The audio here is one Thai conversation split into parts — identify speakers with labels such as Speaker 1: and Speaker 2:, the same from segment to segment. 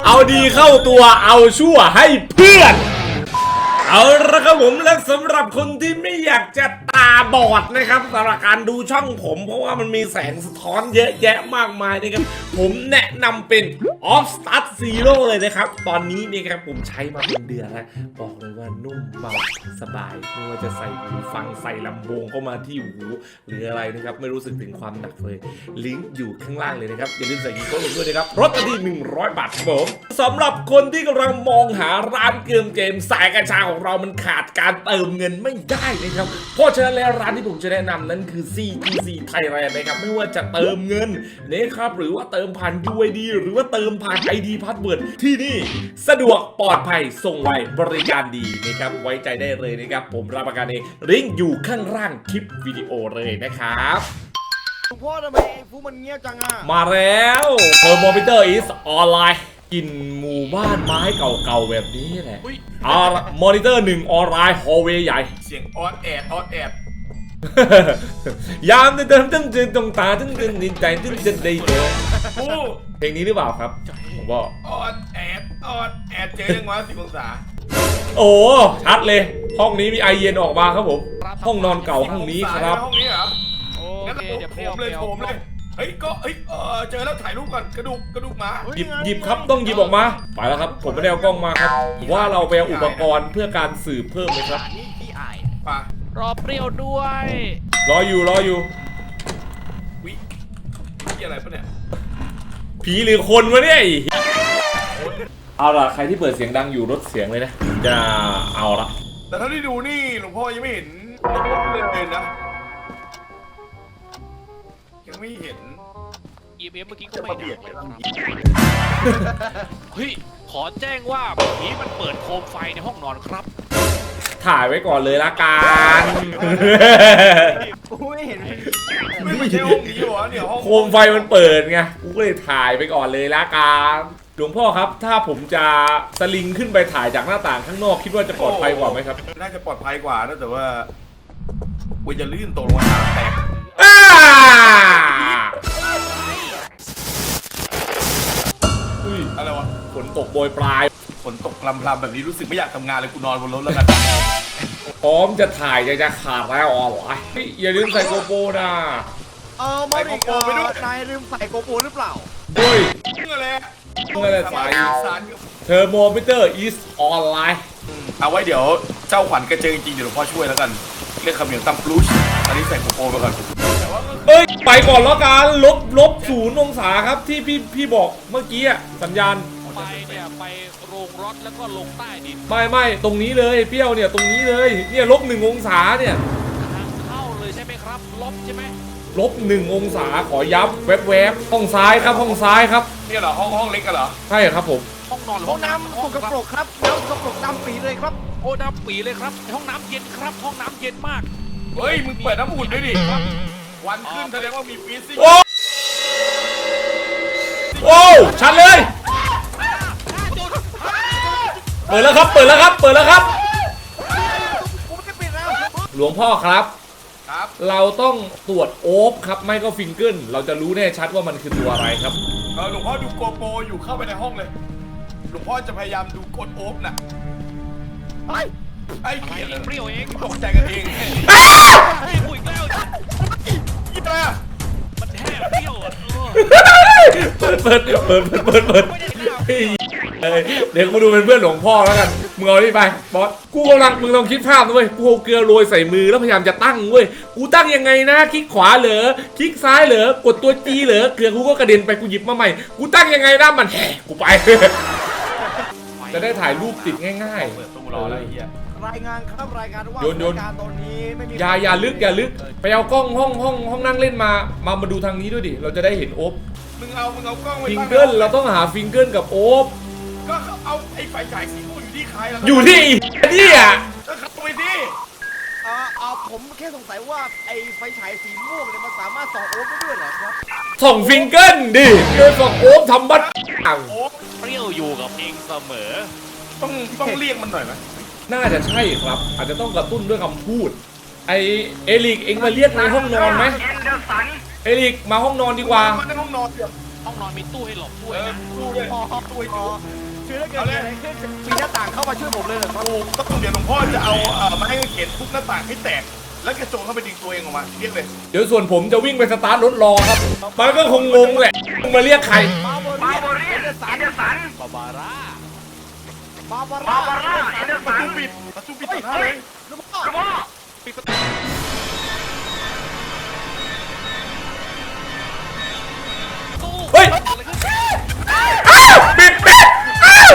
Speaker 1: เอาดีเข้าตัวเอาชั่วให้เพื่อนเอาละครับผมและสำหรับคนที่ไม่อยากจะตาบอดนะครับสำหรับการดูช่องผมเพราะว่ามันมีแสงสะท้อนเยอะแยะมากมายนะครับผมแนะนำเป็น Off Start Zero เลยนะครับตอนนี้นี่ครับผมใช้มาเป็นเดือนแล้วบอกเลยว่านุ่มเบาสบายไม่ว่าจะใส่หูฟังใส่ลำโพงเข้ามาที่หูหรืออะไรนะครับไม่รู้สึกถึงความหนักเลยลิงก์อยู่ข้างล่างเลยนะครับอย่าลืมใส่กีโก้ลงด้วยนะครับลดทันที100 บาทครับผมสำหรับคนที่กำลังมองหาร้านเกมสายกัญชาของเรามันขาดการเติมเงินไม่ได้นะครับเพราะฉะนั้นแล้วร้านที่ผมจะแนะนำนั้นคือ CGC Thailand นะครับไม่ว่าจะเติมเงินนะครับหรือว่าเติมผ่าน UID หรือว่าเติมผ่าน ID Password ที่นี่สะดวกปลอดภัยส่งไวบริการดีนะครับไว้ใจได้เลยนะครับผมรับประกันเองลิงก์อยู่ข้างล่างคลิปวิดีโอเลยนะครับ
Speaker 2: หลวงพ่อทำไมไอ้ฟูมันเงียบจังอ่ะ
Speaker 1: มาแล้วเทอร์โมมิเตอร์อีสออนไลน์กินหมู่บ้านไม้เก่าๆแบบนี้แหละมอนิเตอร์1ออนไลน์ฮอลเวย์ใหญ่
Speaker 3: เสียงออดแอด
Speaker 1: ยามเดิมตึ้งตรงตาตึ้งดินใจตึ้งจะได้เจอเพลงนี้หรือเปล่าครับผมบอก
Speaker 3: ออดแอดเจ๊ยังวะ10 องศา
Speaker 1: โอ้ชัดเลยห้องนี้มีไอเย็นออกมาครับผมห้องนอนเก่าห้องนี้ครับ
Speaker 3: ห้องนี้เหรอ
Speaker 4: โอเคเดี๋ยว
Speaker 3: โถมเลยเฮ้ยก็เจอแล้วถ่ายรูปก่อนกระดูกหมา
Speaker 1: หยิบครับต้องหยิบออกมาไปแล้วครับผมไม่ได้เอากล้องมาครับว่าเราไปเอาอุปกรณ์เพื่อการสืบเพิ่มเลยครับ
Speaker 2: นี่พี่ไอ้
Speaker 3: ป่ะ
Speaker 4: รอเปรี้ยวด้วย
Speaker 1: รออยู่
Speaker 3: วิพี่อะไรปะเนี่ย
Speaker 1: ผีหรือคนวะเนี่ยเอาล่ะใครที่เปิดเสียงดังอยู่ลดเสียงเลยนะจะเอาละ
Speaker 3: แต่เท่าที่ดูนี่หลวงพ่อยังไม่เห็นเลยนะยังไม่เห็น
Speaker 4: EMF เมื่อกี้ก็ไม่ดังเฮ้ยขอแจ้งว่าผีมันเปิดโคมไฟในห้องนอนครับ
Speaker 1: ถ่ายไว้ก่อนเลยละกัน
Speaker 2: ไม่เห็น
Speaker 3: ไม่ใช่ห้องนี้หรอเนี่ยห้อง
Speaker 1: โคมไฟมันเปิดไงกูก็เลยถ่ายไปก่อนเลยละกันหลวงพ่อครับถ้าผมจะสลิงขึ้นไปถ่ายจากหน้าต่างข้างนอกคิดว่าจะปลอดภัยกว่าไหมครับ
Speaker 3: น่าจะปลอดภัยกว่านะแต่ว่ากูจะลื่นตกลงมาแตกอะไรวะ
Speaker 1: ฝนตกโปรยปลาย
Speaker 3: ฝนตกพรำๆแบบนี้รู้สึกไม่อยากทำงานเลยกูนอนบนรถแล้วกัน
Speaker 1: พร้อมจะถ่ายจะขาดแล้วอ๋อเหรออย่าลืมใส่โกโปรนะ
Speaker 2: มาดิโกไปด้วยนายลืมใส่โกโปรหรือเปล่า
Speaker 1: เฮ้ย
Speaker 3: อะไร
Speaker 1: ใส่เทอร์โมมิเตอร์อีสออนไลน์
Speaker 3: เอาไว้เดี๋ยวเจ้าขวัญกระเจิงจริงเดี๋ยวหลวงพ่อช่วยแล้วกันเรียกคำเหนียวตั้มพลูชอันนี้ใส่โกโปรไปก่อน
Speaker 1: เอ้ยไปก่อนแล้วกันลบ0 องศาครับที่พี่บอกเมื่อกี้สัญญาณ
Speaker 4: ไปเนี่ยไปโรงรถแล้วก็ลงใต้ดิน
Speaker 1: ไม่ตรงนี้เลยเปรี้ยวเนี่ยตรงนี้เลยเนี่ยลบ1 องศาเนี่ย
Speaker 4: ทางเข้าเลยใช่ไหมครับลบใช่ไหม
Speaker 1: ลบ1 องศาขอย้ำแวบห้องซ้ายครับห้องซ้ายครับ
Speaker 3: นี่เหรอห้องเล็กกันเหรอ
Speaker 1: ใช่ครับผม
Speaker 4: ห้องนอน
Speaker 2: ห้องน้ำสกปรกครับน้ำสกปรกดำปีเลยครับ
Speaker 4: โอ้ดำปีเลยครับห้องน้ำเย็นครับห้องน้ำเย็นมาก
Speaker 3: เฮ้ยมึงเปิดน้ำอุ่นด้วยดิวันขึ้นแสดงว่ามีฟีซิ่ง
Speaker 1: โอ้ชัดเลยเปิดแล้วครับหลวงพ่อครับเราต้องตรวจโอ๊บครับไม่ก็ฟิงเกิลเราจะรู้แน่ชัดว่ามันคือตัวอะไรครับ
Speaker 3: หลวงพ่อดูโกโปรอยู่เข้าไปในห้องเลยหลวงพ่อจะพยายามดูกดโอ๊บน่ะไอ้เ
Speaker 4: ปรี้ยวเอง
Speaker 3: ตกใจกันเอง
Speaker 4: ให้กูอีกแล้ว
Speaker 3: ยี่อะไรอ่ะ
Speaker 4: มันแทบเปรี้ยว
Speaker 1: เปิดเดี๋ยวกูดูเป็นเพื่อนหลวงพ่อแล้วกันมึงเอาดิไปบอสมึงลองคิดภาพนะเว้ยกูเอาเกลือโรยใส่มือแล้วพยายามจะตั้งเว้ยกูตั้งยังไงนะคลิกขวาเหรอคลิกซ้ายเหรอกดตัวจีเหรอเกลือกูก็กระเด็นไปกูหยิบมาใหม่กูตั้งยังไงนะมันแหกกูไปจะได้ถ่ายรูปติดง่าย
Speaker 3: ๆตู้รออะไรเงี้ย
Speaker 2: รายงานครับรายงานว่าการตอนนี้ไม่มี
Speaker 1: อย่าลึกไปเอากล้องห้องนั่งเล่นมาดูทางนี้ด้วยดิเราจะได้เห็นโอ๊บ
Speaker 3: มึงเอากล้องไว้
Speaker 1: ฟิงเกิลเราต้องหาฟิงเกิลกับโอ๊บ
Speaker 3: ก็เอาไอ้ไฟฉายสีม่วงอยู่ที่ใครแล้ว
Speaker 1: อยู่ที่นี่อ่ะ
Speaker 3: ก็เข้าไปดิ
Speaker 2: ผมแค่สงสัยว่าไอ้ไฟฉายสีม่วงเนี่ยมันสามารถส่องโอ๊บได้ด้วยเหรอครับ
Speaker 1: ส่องฟิงเกิลดิเดินส่องโอ๊บทำบัตร
Speaker 4: โอ๊บเปรี้ยวอยู่กับเองเสมอ
Speaker 3: ต้องเรียกมันหน่อยไหม
Speaker 1: น่าจะใช่ครับอาจจะต้องกระตุ้นด้วยคำพูดไอเอลิกเองมาเรียกในห้องนอนไหมเอลิกมาห้องนอนดีกว่า
Speaker 3: ในห้องนอน
Speaker 4: ห้องนอนมีตู้ให้หลบด้วยนะ
Speaker 3: ตู้ด้วย
Speaker 2: พอ
Speaker 3: ตู้ให้
Speaker 2: พ
Speaker 3: ดู
Speaker 2: อคือถ้าเกิดอะไรขึ้นปีหน้าต่างเข้ามาช่วยผมเลยเหรอครับ
Speaker 3: ถูกต้องเดี๋ยวหลวงพ่อจะเอาไม้กางเขนทุบหน้าต่างให้แตก แล้วกระโจนเข้าไปดึงตัวเองออกมาเรียกเลย
Speaker 1: เดี๋ยวส่วนผมจะวิ่งไปสตาร์ทรถรอครับมันก็คงงงแหละมึงมาเรียกใคร
Speaker 2: บาโบเรียเอเดอร์สัน
Speaker 4: บาบาร่า
Speaker 2: บาบาร่าเอเดอร์
Speaker 3: ประ
Speaker 2: สัน
Speaker 3: ตูปิดประตูปิดต่อหน้าเลย
Speaker 2: หลวงพ่อ
Speaker 4: ปิดประตู
Speaker 1: เฮ้ย
Speaker 4: อะไรขึ้น
Speaker 1: ปิดอ้าว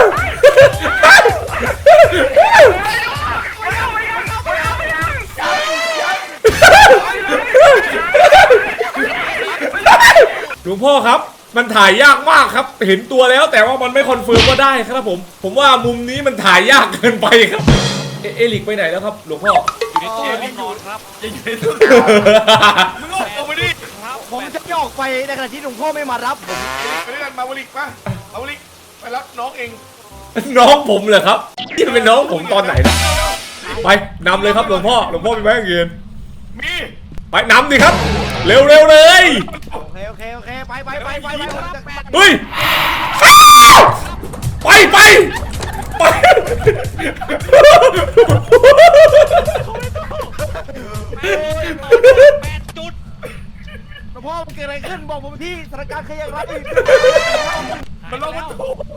Speaker 1: หลวงพ่อครับ มันถ่ายยากมากครับ เห็นตัวแล้วแต่ว่ามันไม่คอนเฟิร์มว่าได้ครับผมว่ามุมนี้มันถ่ายยากเกินไปครับ เอลิกไปไหนแล้วครับหลวงพ่อ
Speaker 4: อยู่ในตู้ห้องนอนครับ
Speaker 3: อย่าอยู่ในตู้มึงออกมาดิ
Speaker 4: ครับ
Speaker 2: ผมจะไม่ออกไปในขณะที่หลวงพ่อไม่มารับผม
Speaker 3: ไปด้วยกันมาวลิกป่ะมาวลิกไปรับน้องเอง
Speaker 1: น้องผมเหรอครับที่เป็นน้องผมตอนไหนนะไปนำเลยครับหลวงพ่อมีไม้กางเขน
Speaker 3: มี
Speaker 1: ไปนำดิครับ เร็วเลย
Speaker 2: โอเคไป
Speaker 1: เฮ้ยไป
Speaker 4: 8 จุด
Speaker 2: หลวงพ่อมันเกิดอะไรขึ้นบอกผมที่สถานการณ์เคยยังไง
Speaker 3: มันล็อกประตู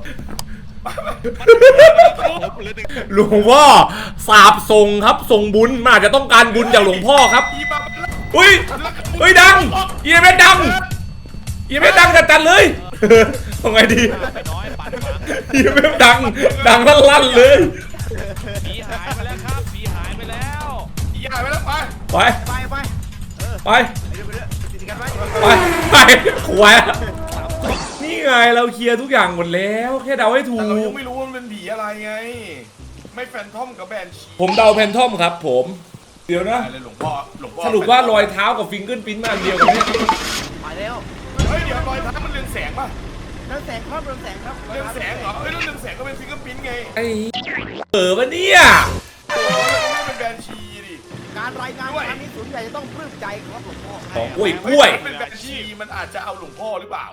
Speaker 4: ผมเหลือหนึ่ง
Speaker 1: หลวงพ่อสาบส่งครับส่งบุญมันอาจจะต้องการบุญจากหลวงพ่อครับ
Speaker 3: อีบ้า
Speaker 1: เฮ้ยดังเอียเมดังจัดเลยทำไงดี
Speaker 4: ไปน้อยปั่นฝัง
Speaker 1: เอียเมดังลั่นเลย
Speaker 4: ผีหายไปแล้วครับผีหายไปแล้ว
Speaker 3: อีหายไปแล้วไป
Speaker 1: ไป
Speaker 2: ไป ติดกันไว้
Speaker 1: ขวายนี่ไงเราเคลียร์ทุกอย่างหมดแล้วแค่เดาให้ถู
Speaker 3: แต่เรายั
Speaker 1: ก
Speaker 3: งไม่รู้ว่ามันเป็นผีอะไรไง ไม่แฟนทอมกับแบนชี
Speaker 1: ผมเดาแพนทอมครับผมเดี๋ยวนะ
Speaker 3: อะไรหลวงพ่อ
Speaker 1: สรุปว่ารอยเท้ากับฟิงเกิลปิ้นมาอันเดียวกันเนี่ย
Speaker 2: ไปแล้ว
Speaker 3: เฮ้ยเดี๋ยวรอยเท้ามันเรืองแสงป่ะ
Speaker 2: เรืองแสงครับ
Speaker 3: เรืองแสงเหรอเฮ้ยแล้วเรืองแสงก็เป็นฟิงเกอร์พิ้นไง
Speaker 1: ไอ้ปะเนี่ย
Speaker 3: โอ้แล้วก็ไม่เป็นแบนชีดิ
Speaker 2: การรายงานครั้งนี้ศูนย์ใหญ่จะต้องปลื้มใจครับหลวงพ่อ
Speaker 1: ของกล้วย
Speaker 3: ถ้าเป็นแบนชีมันอาจจะเอาหลวงพ่อหรือเปล่า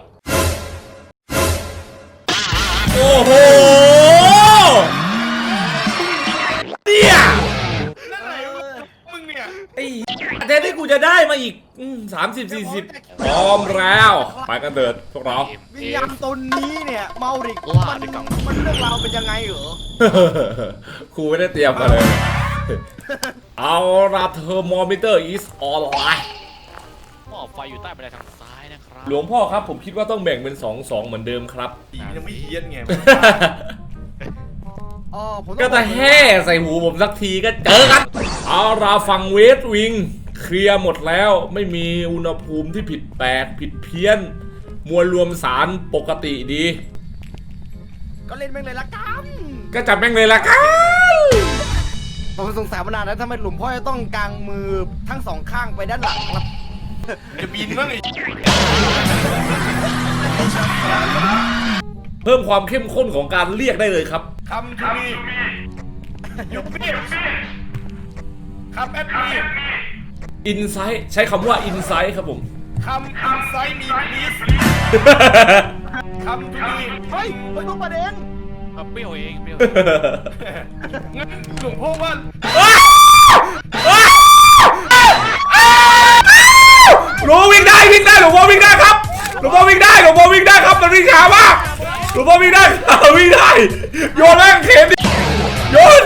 Speaker 1: โอ้โหเนี่ย
Speaker 3: นั่นไหนมึงเนี่ย
Speaker 1: ไอ้แทนที่กูจะได้มาอีก30-40พร้อมแล้วไปกันเถิดพวกเรา
Speaker 2: วิญญาณตนนี้เนี่ยเมาริกมันเรื่องราวเป็นยังไงเหรอ
Speaker 1: ครูไม่ได้เตรียมมาเลย เอาละเทอร์โมมิเตอร์ is online
Speaker 4: หม้อไฟอยู่ใต้บันไดทางซ้ายนะครับ
Speaker 1: หลวงพ่อครับผมคิดว่าต้องแบ่งเป็น2-2เหมือนเดิมครับ
Speaker 3: ผีมันยังไม่เฮี้ยนไง
Speaker 2: อ๋อผม
Speaker 1: ก็จะแห่ใส่หูผมสักทีก็เจอกัน เอาละฝั่งเวสต์วิงเคลียร์หมดแล้วไม่มีอุณหภูมิที่ผิดแปลกผิดเพี้ยน มวลรวมสารปกติดี
Speaker 2: ก็เล่นแม่งเลยละกัน
Speaker 1: ก็จับแม่งเลยละกัน
Speaker 2: ผมสงสัยมานานแล้วทำไมหลวงพ่อจะต้องกางมือทั้งสองข้างไปด้านหลังครับ
Speaker 3: จะบินบ้างไอ้
Speaker 1: เพิ่มความเข้มข้นของการเรียกได้เลยครับ
Speaker 3: คำทูมียูปี้คำแอดมี
Speaker 1: Insight ใช้คำว่า Insight ครับผม
Speaker 3: คำอินไซด์มีพลีสคำทูมี
Speaker 2: เฮ้ยต้องประเด็น
Speaker 4: เปรี้ยวเองเปรี้ยว
Speaker 3: งั้นหลวงพ่อว่า
Speaker 1: หลวงพ่อวิ่งได้หลวงพ่อวิ่งได้ครับหลวงพ่อวิ่งได้ครับมันวิ่งช้ามากหลวงพ่อวิ่งได้โยนแม่งเข็มดิโยน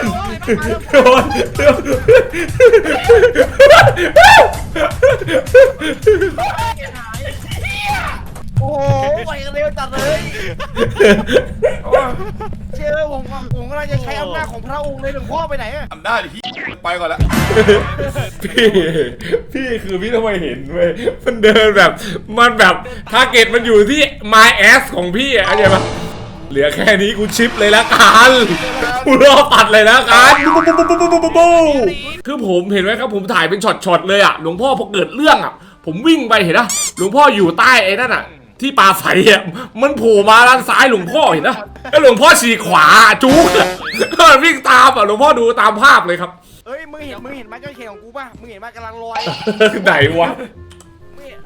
Speaker 2: โอ้โหไหวกันเร็วจัดเลยเชื่อผมกำลังจะใช้อำนาจของพระองค์เลยหลวงพ่อไปไหนอะ
Speaker 3: ทำได้ดิไปก่อนละ
Speaker 1: พี่คือพี่ทำไมเห็นเว้ยมันเดินแบบมันแบบทาร์เก็ตมันอยู่ที่ my ass ของพี่อะเข้าใจปะเหลือแค่นี้กูชิปเลยละกันกูรอตัดเลยละกันคือผมเห็นไหมครับผมถ่ายเป็นช็อตๆเลยอะหลวงพ่อพอเกิดเรื่องอะผมวิ่งไปเห็นนะหลวงพ่ออยู่ใต้ไอ้นั่นอะที่ปลาใสอะมันโผล่มาด้านซ้ายหลวงพ่อเห็นนะแล้วหลวงพ่อฉีกขวาจุ๊กวิ่งตามอะหลวงพ่อดูตามภาพเลยครับ
Speaker 2: เอ้ยมึงเห็นไม้กางเขนของกูป่ะมึงเห็นไหมกำลังลอย
Speaker 1: ไหนวะ
Speaker 2: ม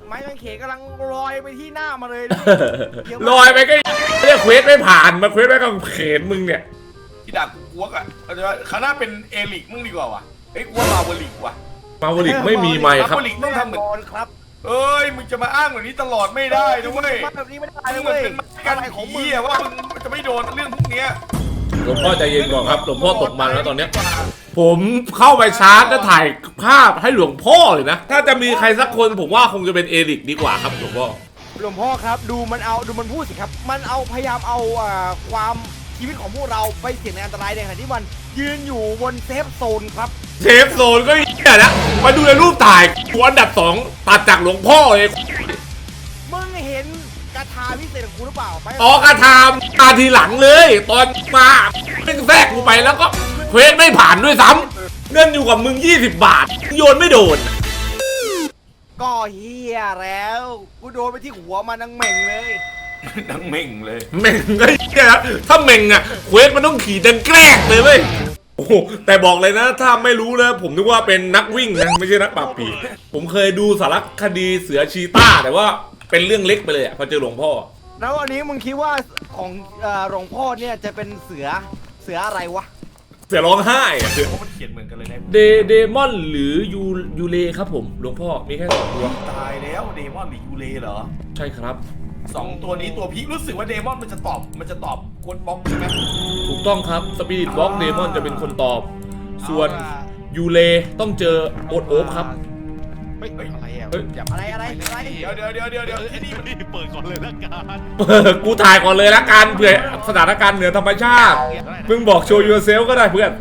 Speaker 2: ไม้กางเขนกำลังลอยไปที่หน้ามาเลย
Speaker 1: ลอยไปก็เรียกเควสไม่ผ่านมาเควสไม่กับเขนมึงเนี่ย
Speaker 3: ที่ดักกูกอ่ะเอาจะว่าคณะเป็นเอลิกมึงดีกว่าวะเอ้ยกูว่ามาเวลิกว่ะ
Speaker 1: มาวลิกไม่มีไมค์ครับ
Speaker 3: มาเวลิกต้องทำเหมือน
Speaker 2: บอลครับ
Speaker 3: เอ้ยมึงจะมาอ้างแบบนี้ตลอดไม่ได้นะเว้ย
Speaker 2: มาแบบนี้ไม่ได้
Speaker 3: มึง
Speaker 2: เว้ย
Speaker 3: เป็นการ
Speaker 2: อะไรของมึง
Speaker 3: เหี้ยว่ามึงจะไม่โดนเรื่องพวกเนี้ย
Speaker 1: หลวงพ่อใจเย็นก่อนครับหลวงพ่อตกมันแล้วตอนเนี้ยผมเข้าไปชาร์จแล้วถ่ายภาพให้หลวงพ่อเลยนะถ้าจะมีใครสักคนผมว่าคงจะเป็นเอริกดีกว่าครับหลวงพ่อ
Speaker 2: หลวงพ่อครับดูมันพูดสิครับมันเอาพยายามเอาความชีวิตของพวกเราไปเสี่ยงในอันตรายในขณะที่มันยืนอยู่บนเซฟโซนครับ
Speaker 1: เซฟโซนก็เหี้ยนะมาดูในรูปถ่ายกูอันดับ2ตัดจากหลวงพ่อเลย
Speaker 2: มึงเห็นกระทาพิเศษของกูหรือเปล่าไป
Speaker 1: ออกระทามมาทีหลังเลยตอนมาเป็นแทรกกูไปแล้วก็เควสไม่ผ่านด้วยซ้ำเงินอยู่กับมึง20 บาทโยนไม่โดน
Speaker 2: ก็เฮียแล้วกูโดนไปที่หัวมันนังเหม่งเลย
Speaker 3: ดังเม่งเลย
Speaker 1: เม่งก็เหี้ยนะถ้าเม่งอะเควสมันต้องขี่ดังแกล้งเลยเว้ยโอ้โหแต่บอกเลยนะถ้าไม่รู้นะผมนึกว่าเป็นนักวิ่งนะไม่ใช่นักปราบผีผมเคยดูสารคดีเสือชีต้าแต่ว่าเป็นเรื่องเล็กไปเลยอะพอเจอหลวงพ่อ
Speaker 2: แล้ววันนี้มึงคิดว่าของหลวงพ่อเนี่ยจะเป็นเสืออะไรวะ
Speaker 1: เสือร้องไห้อะ
Speaker 3: เพราะมันเขียนเหมือนกันเลยนะ
Speaker 1: เดมอนหรือยูเลครับผมหลวงพ่อมีแค่2ตัว
Speaker 3: ตายแล้วเดมอนหรือยูเลเหรอ
Speaker 1: ใช่ครับ
Speaker 3: 2 ตัวนี้ตัวพีครู้สึกว่าเดมอนมันจะตอบกวนบล็อกใช่ไหม
Speaker 1: ถูกต้องครับสปิริตบ็อกเดมอนจะเป็นคนตอบ ส่วนยูเลต้องเจอโอ๊ตครับ
Speaker 4: เฮ้ยอะไรอ่ะ
Speaker 1: เฮ้ย
Speaker 4: อย่า
Speaker 2: อะไร
Speaker 3: เดี๋ยวที่นี่มัน
Speaker 4: เปิดก่อนเลยละกัน
Speaker 1: กูถ่ายก่อนเลยละกันเผื่อสถานการณ์เหนือธรรมชาติมึงบอกโชว์ยูเซลก็ได้เพื่อน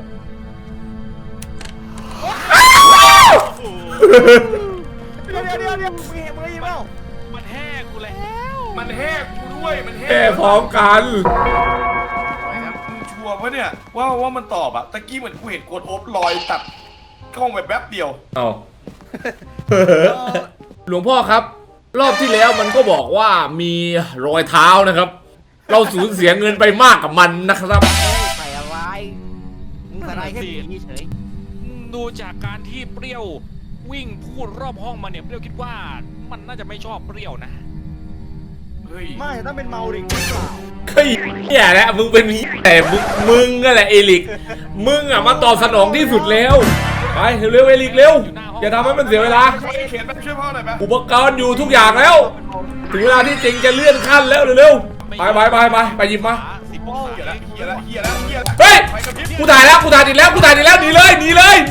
Speaker 2: เดี๋ยวมึงเห็นเปล่า
Speaker 4: มันแห่กูแล้ว
Speaker 3: มันแหกกูด้วยมันแห
Speaker 1: แค่
Speaker 3: ก
Speaker 1: พร้อมกัน
Speaker 3: มึงชัวร์ปะเนี่ยว่ามันตอบอะตะกี้เหมือนกูเห็นกดโอบลอยตัดกล้องแบบแป๊บเดียว
Speaker 1: เอาหลวงพ่อครับ รอบที่แล้วมันก็บอกว่ามีรอยเท้านะครับ เราสูญเสียเงินไปมากกับมันนะครับ
Speaker 2: ใส่อะไรมึงใส่อะไรแค่ผีเฉย
Speaker 4: ดูจากการที่เปรี้ยววิ่งพูดรอบห้องมาเนี่ยเปรี้ยวคิดว่ามันน่าจะไม่ชอบเปรี้ยวนะ
Speaker 3: เฮ้ย
Speaker 2: ไม่ต้องเป็นเมาดิงหรือเปล่า
Speaker 1: เฮ้ยเนี่ยแหละมึงเป็นแต่มึงก็แหละเอลิกมึงอะมาตอบสนองที่สุดแล้วไปเร็วๆเอลิกเร็วอย่าทำให้มันเสียเวลา
Speaker 3: เขียนไปช่วยพ่อหน่อยไหม
Speaker 1: อุปกรณ์อยู่ทุกอย่างแล้ว ถึงเวลาที่จริงจะเลื่อนขั้นแล้วเร็วๆไปหยิบมา
Speaker 4: 10 องศา
Speaker 3: เฮียแล้ว
Speaker 1: เฮ้ย
Speaker 3: ไปกับพริบ
Speaker 1: กูถ่ายติดแล้วหนีเลย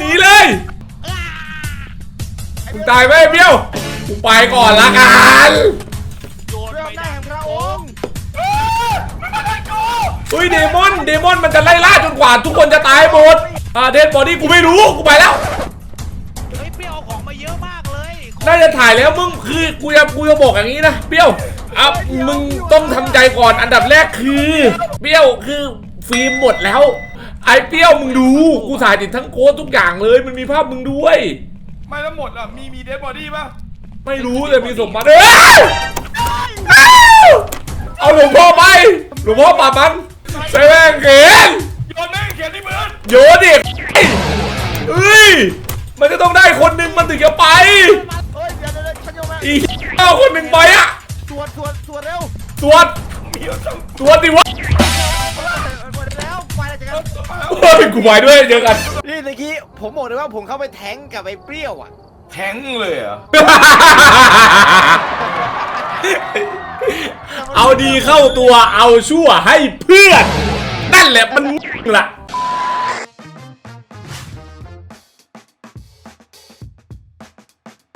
Speaker 1: มึงตายไหมเบี้ยวกูไปก่อนละกัน
Speaker 4: โยน
Speaker 2: เริ่
Speaker 4: ไป
Speaker 2: มได้
Speaker 4: นะ
Speaker 2: แห่งพระองค์
Speaker 1: เฮ้ยเดมอนมันจะไล่ล่าจนกว่าทุกคนจะตายหมดเดนบอดี้กูไม่รู้กูไปแล้ว
Speaker 4: เฮ้ยเปรี้ยวเอาของมาเยอะมากเลย
Speaker 1: น่าจะถ่ายแล้วมึงคือกูจะบอกอย่างนี้นะเปี้ยวมึงต้องทำใจก่อนอันดับแรกคือเปี้ยวคือฟิล์มหมดแล้วไอ้เปี้ยวมึงดูกูถ่ายติดทั้งโค้ดทุกอย่างเลยมันมีภาพมึงด้วย
Speaker 3: ไม่แล้วหมดอ่ะมีเดดบอดี้ป่ะ
Speaker 1: ไม่รู้แต่มีสมบัติเอาหลวงพ่อไปหลวงพ่อปราบมันใส่แม่งเขียน
Speaker 3: โยนแม่งเขียนที่มือ
Speaker 1: โยนดิเอ้ยมันจะต้องได้คนหนึ่งมันถึงจะไป
Speaker 2: เฮ้ยเดี๋ยวฉันโยนมา
Speaker 1: อีเอาคนหนึ่งไปอะ
Speaker 2: ตรวจเร็ว
Speaker 1: ตรวจ
Speaker 3: มีเอาทั้ง
Speaker 1: ตรวจดิวะ
Speaker 2: หมดแล้วไปแล้วจัง
Speaker 1: เฮ้ยกูไปด้วยเจอกัน
Speaker 2: นี่เมื่อกี้ผมบอกเลยว่าผมเข้าไปแทงกับไอ้เปรี้ยวอ่ะ
Speaker 3: แทงเลยเหรอ
Speaker 1: เอาดีเข้าตัวเอาชั่วให้เพื่อนนั่นแหละมันล่ะ